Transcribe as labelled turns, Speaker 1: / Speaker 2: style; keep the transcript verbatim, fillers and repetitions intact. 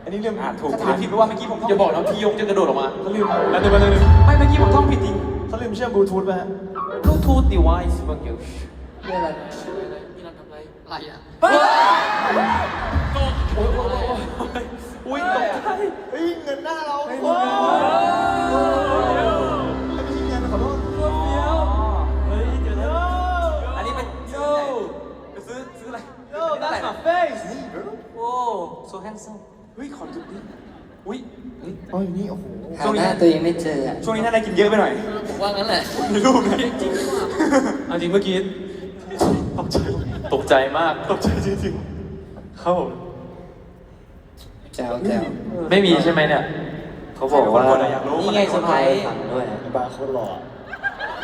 Speaker 1: นนี้เรื่อง
Speaker 2: อ่าถูก
Speaker 1: ถ้าถามผิดเพราะว่าเมื่อกี้ผมท่อง
Speaker 3: อย่าบอกนะพี่ยงจะกระโดดออกมา
Speaker 1: เขาลืมแล้วเดี๋ยวมาเลย
Speaker 2: ไม่เมื่อกี้ผมท่องผิดจริง
Speaker 1: เขาลืมเชื่อมบลูทูธไปฮะ
Speaker 3: Bluetooth device บางอย่าง
Speaker 4: เรื่องอะไรพี่นันทำอะไรอะไรอ่ะ
Speaker 3: โอ้ยโอ้ยโอ้ยตกใจ
Speaker 1: เฮ้ยเงินหน้าเรา
Speaker 4: ไม่
Speaker 1: โอ้
Speaker 4: รู้
Speaker 1: ยไม่ใช่เงินขอโทษ
Speaker 3: เฮ้ยเดี๋ยวนะ
Speaker 2: อันนี้เป็นซื้อไหนไปซื้อซื้ออะไร
Speaker 3: Yo that's my face
Speaker 2: โอ้ so handsome เฮ้ยขอจุดนี้อุ้ย
Speaker 1: อ๋ออยู่นี่โอ้โห
Speaker 4: หาหน้าตัวเองไม่เจออ่ะ
Speaker 2: ช่วงนี้น่าจะกินเยอะไปหน่อย
Speaker 4: ผมว่างั้นแหละ
Speaker 2: มีรูปนะ
Speaker 4: จริงๆดีกว่า
Speaker 3: เอาจริงเมื่อกี้ตกใจตกใจมากตกใจจริงๆครับผม
Speaker 4: แจ๋วแจ๋ว
Speaker 3: ไม่มีใช่ไหมเนี่ยเขาบอกว่า
Speaker 2: อยากรู้
Speaker 4: นี่ไงเซอร์ไพรส์
Speaker 3: ด้วย
Speaker 1: ไอ้บาร์โคตรหล่อ